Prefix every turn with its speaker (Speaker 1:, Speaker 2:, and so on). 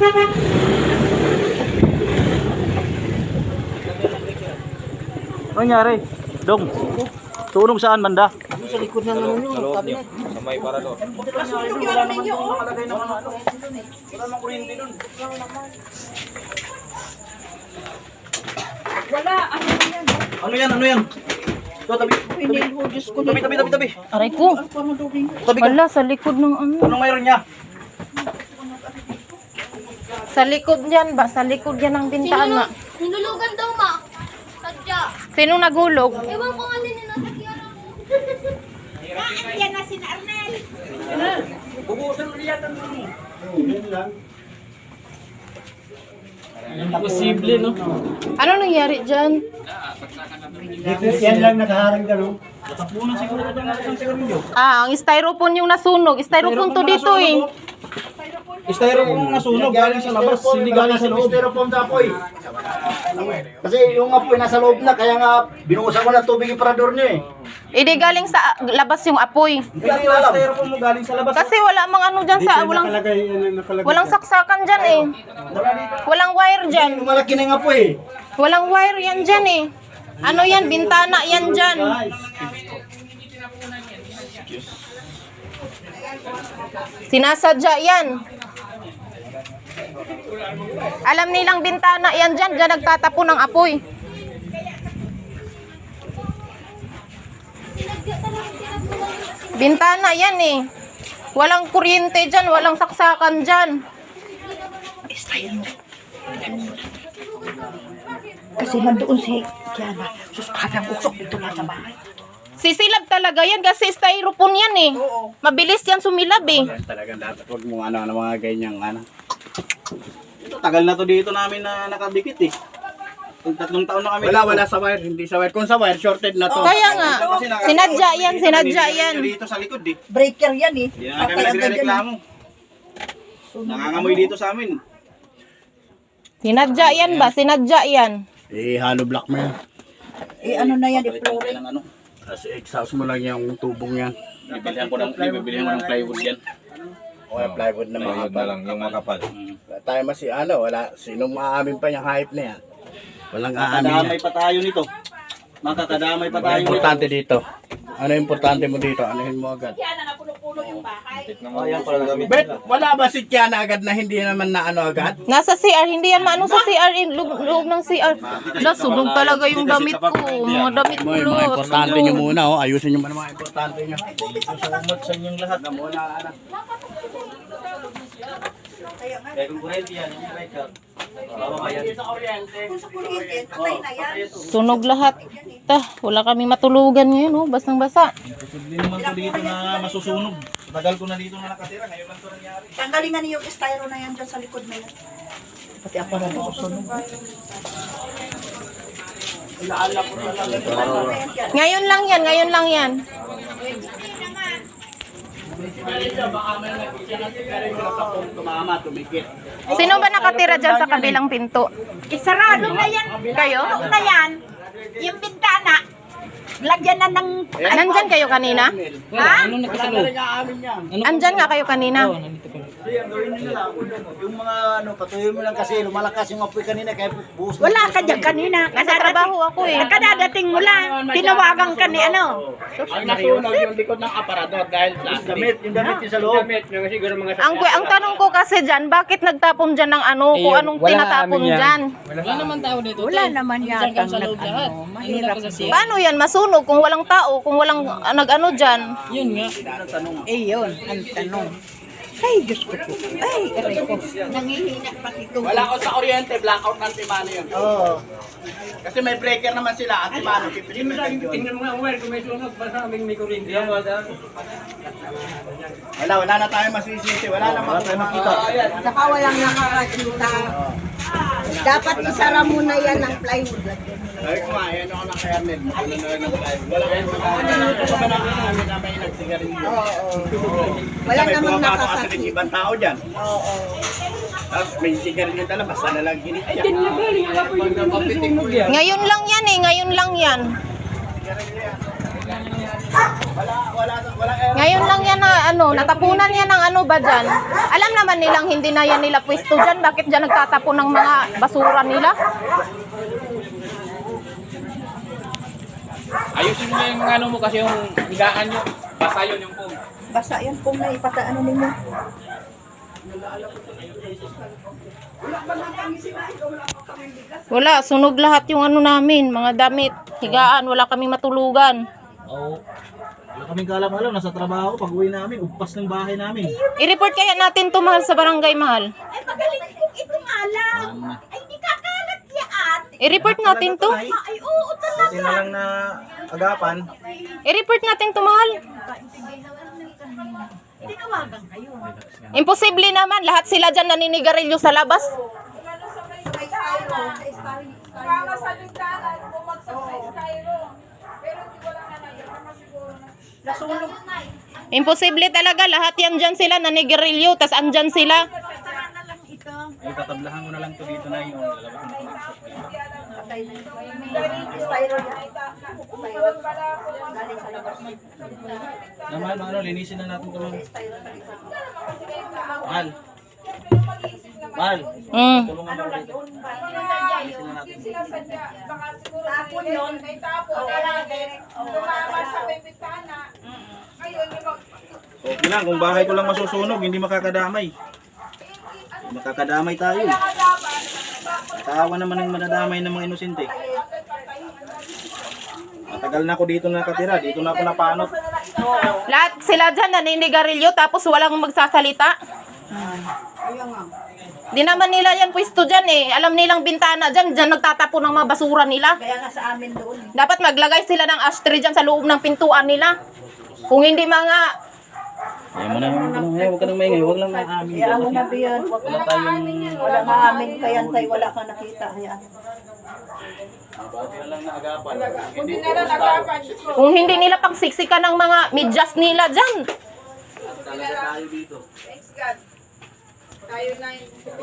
Speaker 1: Ano nangyari? Dong, sunog saan banda?
Speaker 2: Sa likod ng ano nyo, cabinet.
Speaker 3: Sa may parador.
Speaker 2: Wala naman doon nakalagay ng ano.
Speaker 1: Wala namang kuryente dun.
Speaker 4: Wala, ano yan?
Speaker 1: Ano yan? Ano yan? Ito, tabi.
Speaker 2: Hindi ko, Diyos ko.
Speaker 1: Tabi.
Speaker 4: Aray ko.
Speaker 1: Tabi ka.
Speaker 4: Wala, sa likod ng ano.
Speaker 1: Anong mayroon niya?
Speaker 4: Sa likod yan ba? Sa likod yan ng bintana.
Speaker 5: Hinulugan daw, ma. Sadya.
Speaker 4: Sino naghulog?
Speaker 5: Ewan ko nga din yung nasa kiyara. Yan na si Arnel.
Speaker 1: Bubusan ulit yan.
Speaker 2: Imposible, no?
Speaker 4: Ano nangyari dyan?
Speaker 2: Dito yan lang nakaharang gano'n.
Speaker 1: Natapunan siguro ito ng isang sigarilyo.
Speaker 4: Ang styrofoam yung nasunog. Styrofoam to dito eh.
Speaker 1: Styrofoam nasunog galing sa labas, hindi galing sa loob.
Speaker 2: Styrofoam sa apoy. Kasi yung apoy nasa loob na, kaya nga binuhusan ko ng tubig yung parador niya eh.
Speaker 4: Hindi galing sa labas yung apoy.
Speaker 1: Hindi yung styrofoam mo galing sa labas.
Speaker 4: Kasi wala mang ano dyan sa... Walang saksakan dyan eh. Walang wire dyan.
Speaker 2: Malaki na yung apoy eh.
Speaker 4: Walang wire yan dyan eh. Ano yan? Bintana yan dyan. Sinasadya yan. Alam nilang bintana yan dyan. Dyan nagtatapon ng apoy. Bintana yan eh. Walang kuryente dyan. Walang saksakan dyan.
Speaker 6: Kasi nandoon si Kiana. Sus, kanyang usok dito na sa bahay.
Speaker 4: Sisilab talaga yan kasi styrofoam yan eh. Mabilis yan sumilab eh.
Speaker 1: Talagang dapat huwag mo ano mga ganyang ano. Ito, tagal na to dito namin na nakadikit eh. Kung 3 taon na kami. Wala sa wire, hindi sa wire. Kung sa wire, shorted na to.
Speaker 4: Kaya nga, sinadya yan.
Speaker 1: Dito sa likod eh.
Speaker 6: Breaker yan eh.
Speaker 1: Hindi na kami nagre-reklamo. Nangangamoy dito sa amin.
Speaker 4: Sinadya yan ba? Sinadya yan.
Speaker 1: Eh, hollow block mo yan.
Speaker 6: Eh ano na yan,
Speaker 1: Palitan ng ano. Kasi exhaust mo lang yung tubong yan. Bibilihan ko ng plywood yan. O yung plywood na
Speaker 3: Plywood na lang, yung makapal.
Speaker 1: Wala tayo wala. Sinong maamin pa yung hype na yan? Walang aamin yan. Makakadamay pa tayo nito. Makakadamay pa tayo nito. Importante dito. Ano yung importante mo dito? Anuhin mo agad.
Speaker 3: Ayan pala namin.
Speaker 1: Bet, wala ba si Kiana agad na hindi naman na ano agad?
Speaker 4: Nasa CR, hindi yan maano sa CR, loob ng CR. Nasunog talaga yung damit ko. Mga damit ko.
Speaker 1: Mga importante nyo muna, oh. Ayusin nyo muna mga importante nyo. Susumot sa inyong lahat na muna, anak. Kaya kung kurente yan, yung breaker.
Speaker 4: Sunog lahat. Wala kami matulugan ngayon, oh. Basang-basa.
Speaker 1: Posible naman ko dito na masusunog. Tagal ko na dito na nakatira, ngayon lang ito nangyari.
Speaker 6: Tanggalin nga niyo yung styro na yan dyan sa likod na yan. Pati ako na ako sunog.
Speaker 4: Ngayon lang yan. Sino ba nakatira dyan sa kabilang pinto?
Speaker 6: Isarado na yan.
Speaker 4: Kayo?
Speaker 6: Na yan. Yung bintana. Lagyan na ng...
Speaker 4: Nandyan kayo kanina?
Speaker 6: Ha?
Speaker 4: Andyan nga kayo kanina.
Speaker 2: Ang gawin nyo lang, yung mga ano, patuloy mo lang kasi lumalakas yung apoy kanina kaya buhos.
Speaker 6: Wala ka dyan kanina.
Speaker 4: Nasa trabaho ako eh.
Speaker 6: Kadadating mo lang. Tinawagan ka ni ano.
Speaker 1: Ang nasunog yung likod ng aparador dahil plastic.
Speaker 2: Yung damit yung sa loob.
Speaker 4: Ang tanong ko kasi dyan, bakit nagtapon dyan ng ano, kung anong tinatapon dyan?
Speaker 2: Wala naman tao dito.
Speaker 6: Wala naman yata nag-ano. Mahirap.
Speaker 4: Paano yan masunog kung walang tao, kung walang nag-ano dyan?
Speaker 2: Yun nga.
Speaker 6: Eh yun, ang tanong. Ay, Diyos ko po. Ay, aray ko. Nangihina pati ito.
Speaker 1: Wala ko sa kuryente, blackout ng timano yun.
Speaker 2: Oo.
Speaker 1: Kasi may breaker naman sila, at timano, pipilitin lang yun.
Speaker 2: Tingnan mo nga, Uwer, kung may sunog, basta kaming may kuryente.
Speaker 1: Wala na tayo masisisi, wala na makita.
Speaker 6: Saka walang nakakakita. Dapat isara mo na yan ng plywood.
Speaker 1: Sabi ko nga, ayan ako ng kernel. Ano na lang ng live. Wala kayong magkakaroon pa na kami na may nagsigarilyo.
Speaker 6: Wala
Speaker 1: May
Speaker 6: namang
Speaker 1: pumapasok kasi
Speaker 6: nakasakit.
Speaker 1: ng ibang tao dyan.
Speaker 6: Oo.
Speaker 1: Tapos may sigarilyo dala, basta na lang ginit yan.
Speaker 4: Ngayon lang yan eh, ngayon lang yan. Ngayon lang yan na natapunan yan ng ano ba dyan? Alam naman nilang hindi na yan nila pwesto dyan. Bakit dyan nagtatapon ng mga basura nila?
Speaker 7: Ayusin mo yung ano mo kasi yung higaan nyo. Basa yun yung pong.
Speaker 6: Basa yan kung na ipataano ninyo.
Speaker 4: Wala, sunog lahat yung ano namin, mga damit, higaan, wala kaming matulugan.
Speaker 2: Oo. Wala kaming kalam-alam, nasa trabaho, pag uwi namin, ugpas ng bahay namin.
Speaker 4: I-report kaya natin to, mahal, sa barangay, mahal.
Speaker 6: Ay, magaling kong itong alam. Ay, di kakalat yan.
Speaker 4: I-report natin to.
Speaker 6: Ay, oo, talaga.
Speaker 2: Buti na lang na agapan.
Speaker 4: I-report natin to, mahal.
Speaker 6: Tinawagan kayo.
Speaker 4: Imposible naman, lahat sila dyan naninigarilyo sa labas.
Speaker 6: Nasunog.
Speaker 4: Imposible talaga, lahat yan dyan sila naninigarilyo, tas andyan sila.
Speaker 6: Sara na lang ito.
Speaker 2: Ay, tatablahan ko na lang to dito na yung lalabas mo na
Speaker 6: Patay na ito. Styro yan. Galing sa labas.
Speaker 2: naman, ano, linisin na natin ito. Mahal. Mahal. Tulungan mo dito. Linisin na natin.
Speaker 6: Tapon yun.
Speaker 2: Okay lang, kung bahay ko lang masusunog, hindi makakadamay. Makakadamay tayo. Tawa naman ang madadamay ng mga inosente. Matagal na ako dito nakatira, dito na ako napanot.
Speaker 4: Lahat sila dyan naninigarilyo, tapos walang magsasalita. Di naman nila yan pwesto dyan eh. Alam nilang bintana dyan, dyan nagtatapon ng mga basura nila.
Speaker 6: Kaya nga sa amin doon.
Speaker 4: Dapat maglagay sila ng ashtray dyan sa loob ng pintuan nila. Kung hindi mga...
Speaker 2: Ayaw mo na, huwag ka nang maingay, huwag lang na amin.
Speaker 6: Kaya mo na biyan.
Speaker 2: Wala tayong...
Speaker 6: Wala nga amin kaya tay wala kang nakita. Hayaan.
Speaker 4: Kung hindi nila pagsiksikan ng mga medyas nila dyan.
Speaker 2: Talaga tayo dito.
Speaker 8: Thanks God. Tayo na